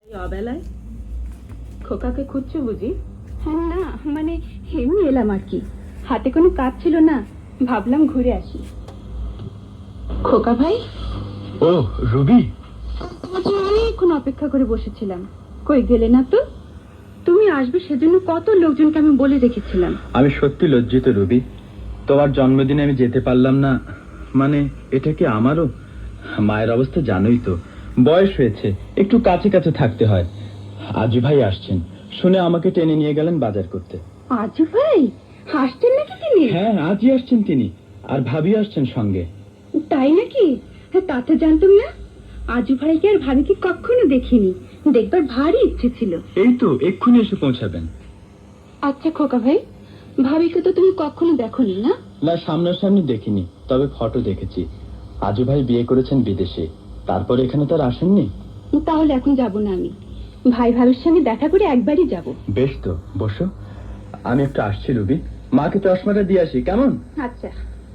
অবেলায় খোকাকে খুঁজছো বুঝি? হ্যাঁ, না মানে এমনি এলাম আর কি। হাতে কোনো কাজ ছিল না, ভাবলাম ঘুরে আসি। খোকা ভাই। ও রুবি, অনেকক্ষণ অপেক্ষা করে বসেছিলাম, কই গেলে না তো? তুমি আসবে সেজন্য কত লোকজনকে আমি বলে রেখেছিলাম। আমি সত্যি লজ্জিত রুবি, তোমার জন্মদিনে আমি যেতে পারলাম না। মানে এটা কি আমারও? মায়ের অবস্থা জানোই তো, বয়স হয়েছে, একটু কাছে কাছে থাকতে হয়। আজু ভাই আসছেন শুনে আমাকে টেনে নিয়ে গেলেন বাজার করতে। আজু ভাই হাসতেন নাকি তিনি? হ্যাঁ, আজই আসছেন তিনি, আর ভাবি আসছেন সঙ্গে। তাই নাকি? তা তো জানতাম না। আজু ভাইকে আর ভাবিকে কখনো দেখিনি, দেখবার ভারী ইচ্ছে ছিল। এই তো এক্ষুনি এসে পৌঁছাবেন। আচ্ছা খোকা ভাই, ভাবিকে তো তুমি কখনো দেখোনি না? না, সামনাসামনি দেখিনি, তবে ফটো দেখেছি। আজু ভাই বিয়ে করেছেন বিদেশে, তারপর এখানে তো আর আসেননি। তাহলে এখন যাব না আমি, ভাই ভাবির সঙ্গে দেখা করে একবারই যাব। বেশ তো, বসো। আমি একটু আসছি রুবি, মাকে চশমাটা দিয়ে আসি, কেমন? আচ্ছা।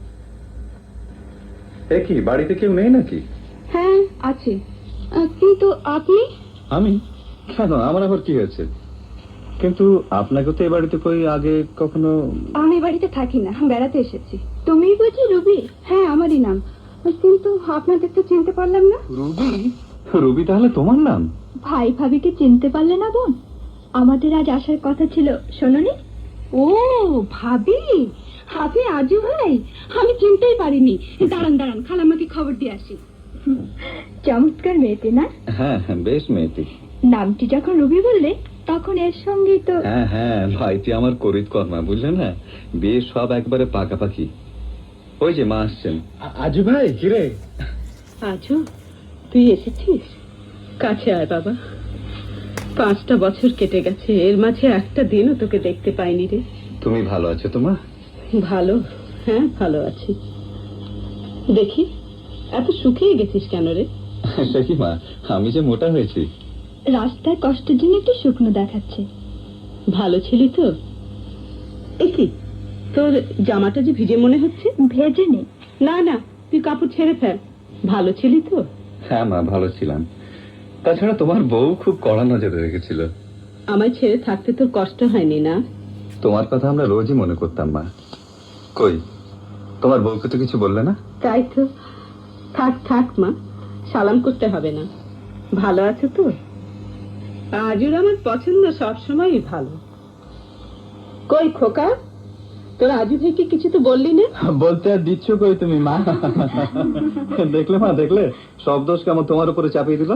এ কি, বাড়িতে কেউ নেই নাকি? হ্যাঁ আছে, কিন্তু আপনি? আমি? কেন, আমার আবার কি হয়েছে? কিন্তু আপনাকে তো এ বাড়িতে কই আগে কখনো। আমি বাড়িতে থাকি না, বেড়াতে এসেছি। তুমি বুঝি রুবি? হ্যাঁ, আমারই নাম, কিন্তু আপনাদের তো চিনতে পারলাম না। রুবি? রুবি তাহলে তোমার নাম? ভাই ভাবিকে চিনতে পারলে না বোন? আমাদের আজ আসার কথা ছিল, শোনোনি? ও ভাবি, আপনি আজু ভাই? আমি চিনতেই পারিনি। দাঁড়ান দাঁড়ান, খালাম্মাকে খবর দিয়ে আসি। চমৎকার মেয়েটি না? হ্যাঁ হ্যাঁ, বেশ মেয়েটি। নামটি যখন রুবি বললে তখন এর সঙ্গে তো। হ্যাঁ হ্যাঁ, ভাইটি আমার করিত কর্মা, বুঝলে না? বিয়ে সব একবারে পাকাপাকি। ওই যে মা আসছেন। আজু ভাই, কিরে? আজু, তুই এসেছিস? কাছে আয় বাবা। 5টা বছর কেটে গেছে, এর মাঝে একটা দিনও তোকে দেখতে পাইনি রে। তুমি ভালো আছো তো মা? ভালো, হ্যাঁ ভালো আছি। দেখি, এত শুকিয়ে গেছিস কেন রে? সে কি মা, আমি যে মোটা হয়েছি। রাস্তায় কষ্টের জন্য একটু শুকনো দেখাচ্ছে। ভালো ছিলি তো? কি তোর জামাটা যে ভিজে মনে হচ্ছে? ভেজে নেই। না না, তুই কাপড় ছেড়ে ফেল। ভালো ছিলি তো? হ্যাঁ মা, ভালো ছিলাম। তাছাড়া তোমার বউ খুব কড়া নজরে রেখেছিল। আমায় ছেড়ে থাকতে তোর কষ্ট হয়নি না? তোমার কথা আমরা রোজই মনে করতাম মা। কই, তোমার বউকে তো কিছু বললে না? তাই তো। থাক থাক মা, সালাম করতে হবে না। ভালো আছো তো? আজুর আমার পছন্দ সবসময়ই ভালো। কই খোকা, তোর আজু ভাইকে কিছু তো বললি না? বলতে আর দিচ্ছ কই তুমি মা? দেখলে মা, দেখলে সব দোষ কেমন তোমার উপরে চাপিয়ে দিল।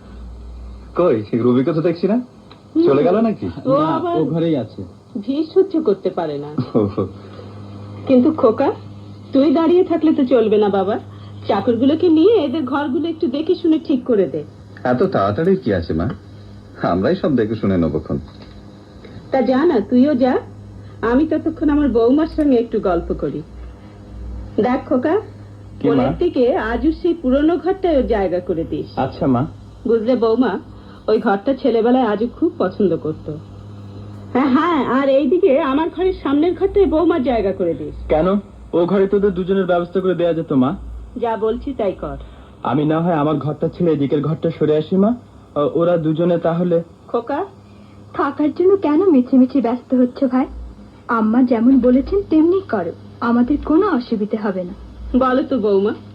কই, রুবিকে তো দেখছি না, চলে গেল নাকি? ও ঘরেই আছে। ভিড় সহ্য করতে পারে না। কিন্তু খোকা, তুই দাঁড়িয়ে থাকলে তো চলবে না বাবা। চাকরগুলোকে নিয়ে এদের ঘরগুলো একটু দেখে শুনে ঠিক করে দে। এত তাড়াতাড়ি কি আছে মা, আমরাই সব দেখে শুনে নেবক্ষণ। তা যা না, তুইও যা। আমি ততক্ষণ আমার বৌমার সঙ্গে একটু গল্প করি। দেখ খোকা, কোণের দিকে আজও সেই পুরনো ঘরটায় জায়গা করে দিস। আচ্ছা মা। বুঝলে বৌমা, ওই ঘরটা ছেলেবেলায় আজও খুব পছন্দ করতো। হ্যাঁ হ্যাঁ, আর এইদিকে আমার ঘরের সামনের ঘরটায় বৌমার জায়গা করে দিস। কেন, ও ঘরে তোদের দুজনের ব্যবস্থা করে দেয়া যেত মা। যা বলছি তাই কর। আমি না হয় আমার ঘরটা ছেড়ে এদিকের ঘরটা সরে আসি মা, ওরা দুজনে তাহলে। খোকা, থাকার জন্য কেন মিছিমিছি ব্যস্ত হচ্ছ ভাই? আম্মা যেমন বলেছেন তেমনি করো, আমাদের কোনো অসুবিধা হবে না। বলো তো বৌমা,